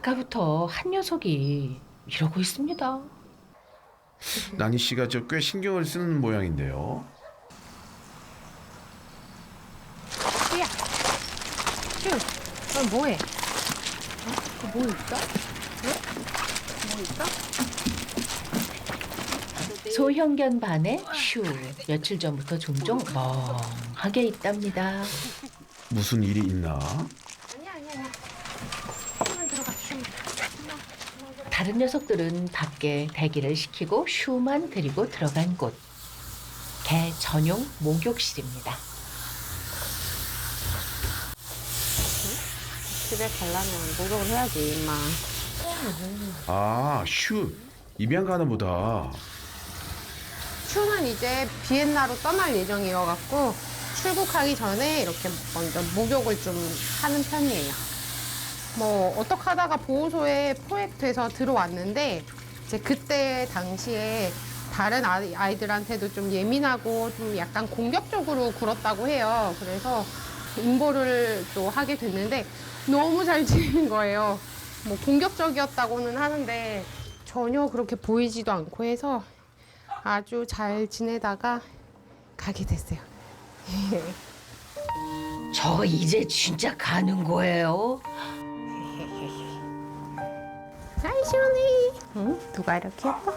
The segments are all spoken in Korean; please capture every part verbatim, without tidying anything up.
아까부터 한 녀석이 이러고 있습니다. 나니 씨가 저 꽤 신경을 쓰는 모양인데요. 슈야, 슈, 너 뭐해? 어? 뭐 있어? 어? 뭐 있어? 소형견 반의 슈. 며칠 전부터 종종 멍하게 있답니다. 무슨 일이 있나? 아니야, 아니야, 아니야. 슈만 들어가, 슈만. 다른 녀석들은 밖에 대기를 시키고 슈만 데리고 들어간 곳. 개 전용 목욕실입니다. 집에 가려면 목욕을 해야지, 임마. 아, 슈 입양 가나 보다. 슈는 이제 비엔나로 떠날 예정이어갖고 출국하기 전에 이렇게 먼저 목욕을 좀 하는 편이에요. 뭐 어떻게 하다가 보호소에 포획돼서 들어왔는데 이제 그때 당시에 다른 아이- 아이들한테도 좀 예민하고 좀 약간 공격적으로 굴었다고 해요. 그래서 응보를 또 하게 됐는데 너무 잘 지내는 거예요. 뭐 공격적이었다고는 하는데 전혀 그렇게 보이지도 않고 해서 아주 잘 지내다가 가게 됐어요. 저 이제 진짜 가는 거예요? 아이 시원해. 응? 누가 이렇게 예뻐?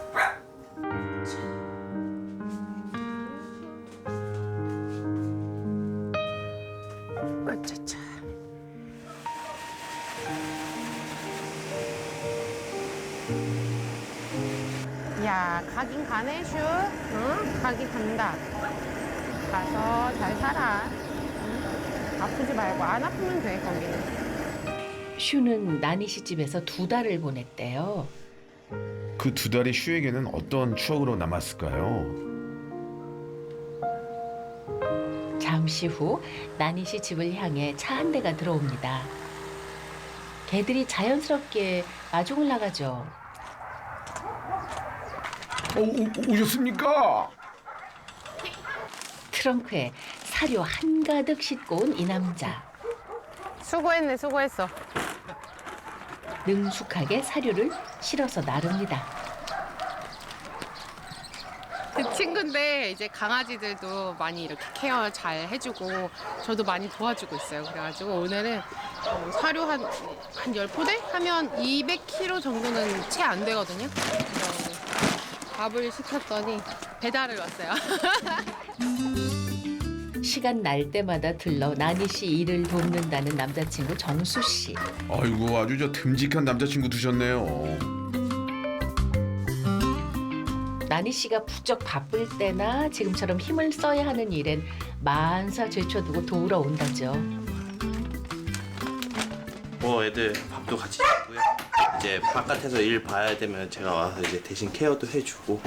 어쩌자. 야, 가긴 가네, 슈. 응? 가긴 간다. 가서 잘 살아. 응? 아프지 말고 안 아프면 돼, 거기는. 슈는 나니 씨 집에서 두 달을 보냈대요. 그 두 달이 슈에게는 어떤 추억으로 남았을까요? 잠시 후 나니 씨 집을 향해 차 한 대가 들어옵니다. 개들이 자연스럽게 마중을 나가죠. 어, 오, 오셨습니까? 트렁크에 사료 한가득 싣고 온 이 남자. 수고했네, 수고했어. 능숙하게 사료를 실어서 나릅니다. 그 친구인데 이제 강아지들도 많이 이렇게 케어 잘 해주고 저도 많이 도와주고 있어요. 그래가지고 오늘은 어, 사료 한, 한 열 포대? 하면 이백 킬로그램 정도는 채 안 되거든요. 그래서 밥을 시켰더니 배달을 왔어요. 시간 날 때마다 들러 나니 씨 일을 돕는다는 남자친구 정수 씨. 아이고, 아주 저 듬직한 남자친구 두셨네요. 나니 씨가 부쩍 바쁠 때나 지금처럼 힘을 써야 하는 일엔 만사 제쳐두고 도우러 온다죠. 뭐 애들 밥도 같이 주고요. 이제 바깥에서 일 봐야 되면 제가 와서 이제 대신 케어도 해주고.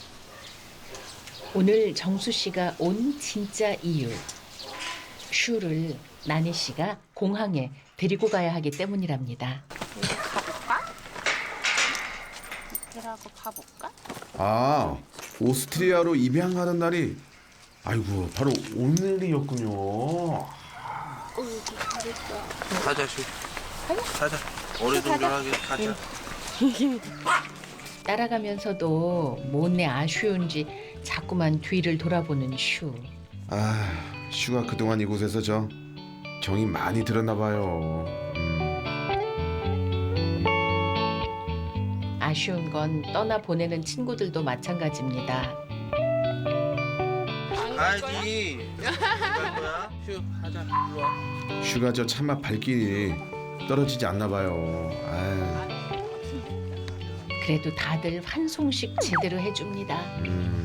오늘 정수 씨가 온 진짜 이유. 슈를 나니 씨가 공항에 데리고 가야 하기 때문이랍니다. 가볼까? 이들하고 가볼까? 아, 오스트리아로 입양하는 날이 아이고 바로 오늘이었군요. 가자 슈. 가자. 어리둥절하게 가자. 따라가면서도 못내 아쉬운지 자꾸만 뒤를 돌아보는 슈. 아, 슈가 그동안 이곳에서 저 정이 많이 들었나 봐요. 음. 아쉬운 건 떠나 보내는 친구들도 마찬가지입니다. 가야지. 갈 거야. 슈 가자. 일로 와. 슈가 저 차마 발길이 떨어지지 않나 봐요. 아, 그래도 다들 환송식 제대로 해줍니다. 음.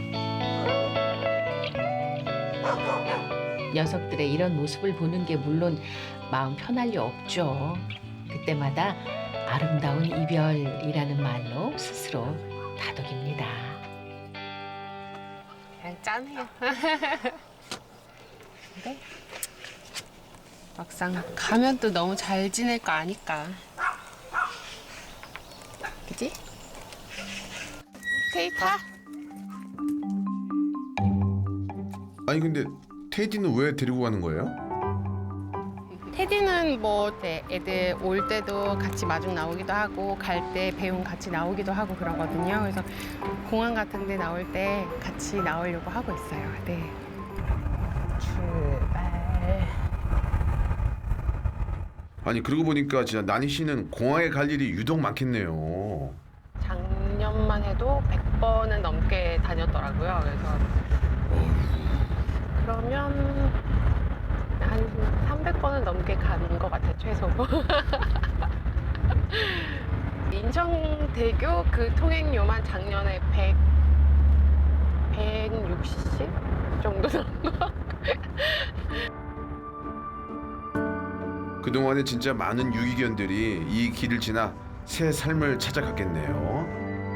녀석들의 이런 모습을 보는 게 물론 마음 편할 리 없죠. 그때마다 아름다운 이별이라는 말로 스스로 다독입니다. 그냥 짠해요. 근데 막상 가면 또 너무 잘 지낼 거 아니까. 그지? 테이타? 아니 근데 테이디는 왜 데리고 가는 거예요? 테디는 뭐 이제 애들 올 때도 같이 마중 나오기도 하고 갈 때 배웅 같이 나오기도 하고 그러거든요. 그래서 공항 같은 데 나올 때 같이 나오려고 하고 있어요. 네. 출발. 아니 그러고 보니까 진짜 나니 씨는 공항에 갈 일이 유독 많겠네요. 작년만 해도 백 번은 넘게 다녔더라고요. 그래서 그러면 한 삼백 번은 넘게 가는 것 같아요, 최소. 인천대교 그 통행료만 작년에 백, 백육십 정도 나온 것 같고요. 그동안에 진짜 많은 유기견들이 이 길을 지나 새 삶을 찾아갔겠네요.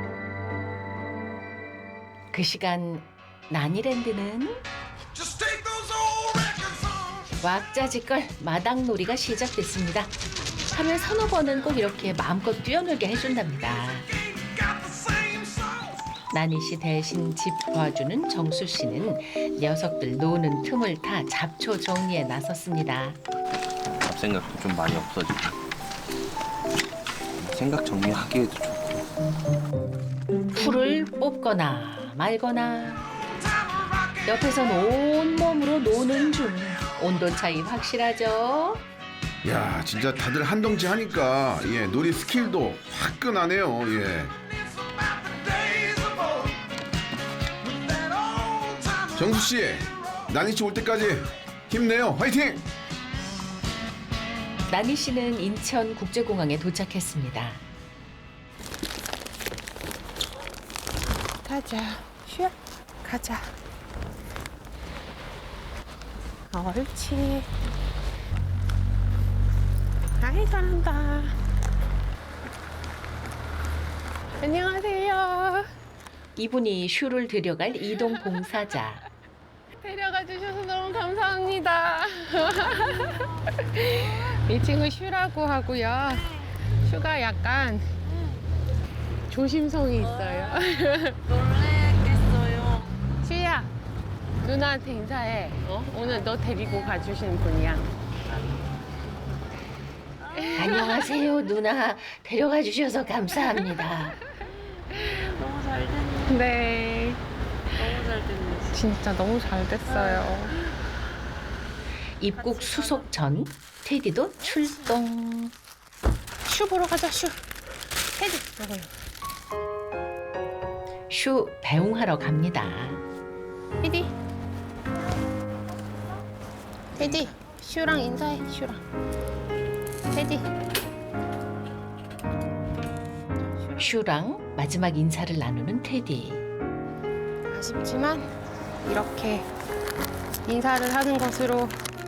그 시간 나니랜드는 왁자지껄 마당놀이가 시작됐습니다. 하루에 서너 번은 꼭 이렇게 마음껏 뛰어놀게 해준답니다. 나니 씨 대신 집 도와주는 정수 씨는 녀석들 노는 틈을 타 잡초 정리에 나섰습니다. 잡생각도 좀 많이 없어지고 생각 정리하기에도 좋고. 풀을 뽑거나 말거나 옆에선 온몸으로 노는 중. 온도 차이 확실하죠? 야 진짜 다들 한 덩치 하니까 예 놀이 스킬도 화끈하네요. 예. 정수 씨, 나니 씨 올 때까지 힘내요. 화이팅! 나니 씨는 인천 국제공항에 도착했습니다. 가자, 쉬어. 가자. 옳지. 아이, 잘한다. 안녕하세요. 이분이 슈를 데려갈 이동 봉사자. 데려가 주셔서 너무 감사합니다. 이 친구 슈라고 하고요. 슈가 약간 조심성이 있어요. 놀랬겠어요. 슈야, 누나한테 인사해. 어? 오늘 너 데리고 가주신 분이야. 안녕하세요, 누나. 데려가 주셔서 감사합니다. 너무 잘 됐네. 네. 너무 잘 됐네. 진짜 너무 잘 됐어요. 입국 수속 전 테디도 출동. 슈 보러 가자, 슈. 테디, 여기. 슈 배웅하러 갑니다. 테디. 테디, 슈랑 인사해, 슈랑. 테디. 슈랑 마지막 인사를 나누는 테디. 아쉽지만 이렇게 인사를 하는 것으로.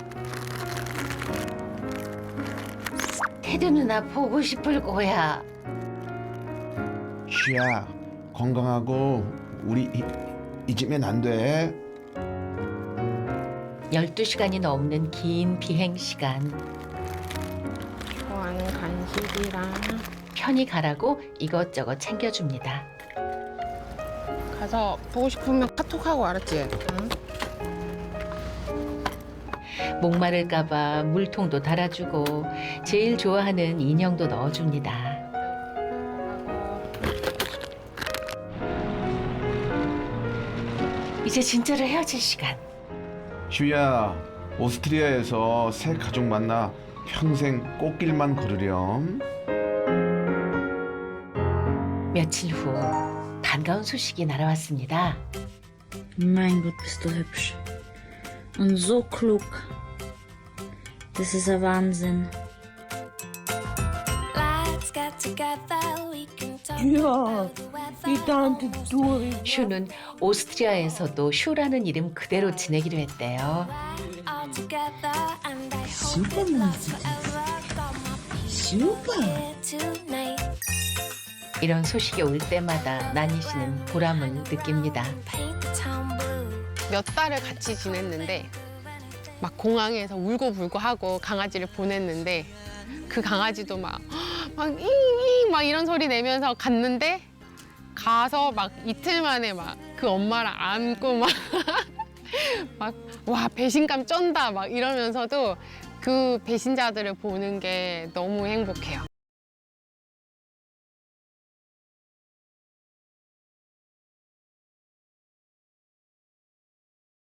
테디 누나 보고 싶을 거야. 슈야 건강하고 우리 이, 잊으면 안 돼. 열두 시간이 넘는 긴 비행 시간. 좋아하는 간식이랑 편히 가라고 이것저것 챙겨줍니다. 가서 보고 싶으면 카톡하고 알았지? 응? 목마를까봐 물통도 달아주고 제일 좋아하는 인형도 넣어줍니다. 이제 진짜로 헤어질 시간. 슈야 오스트리아에서 새 가족 만나 평생 꽃길만 걸으렴. 며칠 후 반가운 소식이 날아왔습니다. Mein Gott, bist du hübsch. Und so klug. Das ist ein Wahnsinn. Ja, die Tante Dori. 슈는 오스트리아에서도 슈라는 이름 그대로 지내기로 했대요. Super Musik. Super. 이런 소식이 올 때마다 나니 씨는 보람을 느낍니다. 몇 달을 같이 지냈는데 막 공항에서 울고불고 하고 강아지를 보냈는데 그 강아지도 막막 잉잉 막 이런 소리 내면서 갔는데 가서 막 이틀 만에 막 그 엄마랑 안고 막 막 와 배신감 쩐다 막 이러면서도 그 배신자들을 보는 게 너무 행복해요.